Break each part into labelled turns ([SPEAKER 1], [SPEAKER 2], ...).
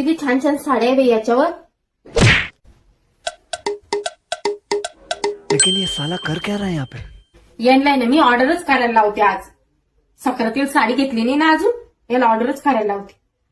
[SPEAKER 1] किती छान छान साड्या आहे बाई याच्यावर.
[SPEAKER 2] लेकिन ये साला कर क्या रहा है यहाँ पे?
[SPEAKER 1] यांना ना मी ऑर्डरच करायला लावते आज. सक्रातील साडी घेतली नाही ना अजून, याला ऑर्डरच करायला लावते.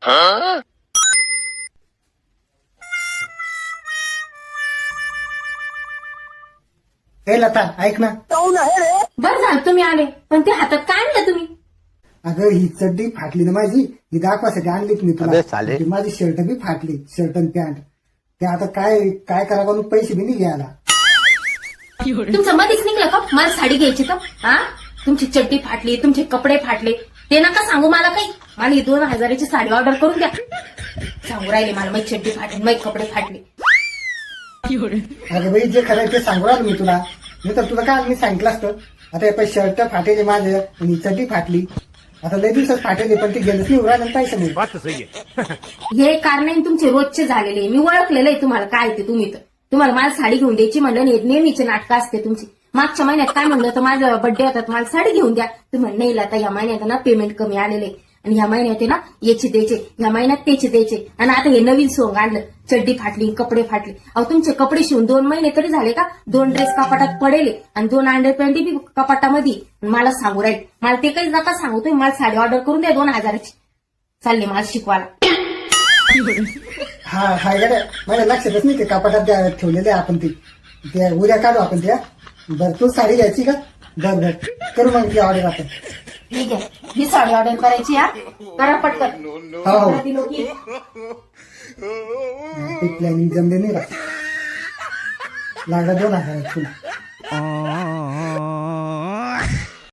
[SPEAKER 3] ए लता ऐक ना.
[SPEAKER 1] बरं झालं तुम्ही आले, पण ते हातात काय आणलं तुम्ही?
[SPEAKER 3] अगं ही चड्डी फाटली ना माझी, ही दाखवासाठी आणलीच मी तुला. ती माझी शर्ट बी फाटली, शर्ट आणि पॅन्ट. ते आता काय काय करावं म्हणून पैसे बी नाही घ्यायला.
[SPEAKER 1] तुमचं मध्येच निघलं का मला साडी घ्यायची तर? हा, तुमची चड्डी फाटली, तुमचे कपडे फाटले, ते नका सांगू मला काही. मला ही 2000ची साडी ऑर्डर करून द्या. सांगू राहिले मला माझी चड्डी फाटली, माझे कपडे फाटले.
[SPEAKER 3] अगं बाई जे खरं ते सांगू राहिलो मी तुला. मी तर तुला काय मी सांगितलं असतं. आता हे शर्ट फाटेले माझे आणि चड्डी फाटली. आता लय दिवसात फाटेले पण ते गेलंच नाही उरायला पैसे नाही.
[SPEAKER 1] हे कारण तुमचे रोजचे झालेले. मी ओळखलेलं आहे तुम्हाला काय ते. तुम्ही तर तुम्हाला मला साडी घेऊन द्यायची म्हणलं नाही, नेहमीचे नाटकं असते तुमची. मागच्या महिन्यात काय म्हणलं तर माझं बर्थडे होता, मला साडी घेऊन द्या. तुम्ही नाही आता या महिन्यात ना पेमेंट कमी आलेले आणि ह्या महिन्यात ना याचे द्यायचे, ह्या महिन्यात त्याचे द्यायचे. आणि आता हे नवीन सोंग आणलं, चड्डी फाटली, कपडे फाटले. अहो तुमचे कपडे शिवून 2 महिने तरी झाले का? 2 ड्रेस कपाटात पडेले आणि 2 अंडरपॅन्ट बी कपाटामध्ये. मला सांगू राहील, मला ते काही नका सांगू. तुम्ही मला साडी ऑर्डर करून द्या 2000ची. चालले मला शिकवायला.
[SPEAKER 3] हा हाय गड्या, माझ्या लक्षातच नाही ते कपाटात ठेवलेले आपण ते उद्या काढू आपण त्या. बरं तू साडी घ्यायची का? बर करू मग ती ऑर्डर आपण.
[SPEAKER 1] ठीक आहे, ही साडी ऑर्डर करायची. हा करा पटकन.
[SPEAKER 3] हो
[SPEAKER 1] दिलो की
[SPEAKER 3] ते प्लॅनिंग जमले नाही का? लागला 2000 तुला.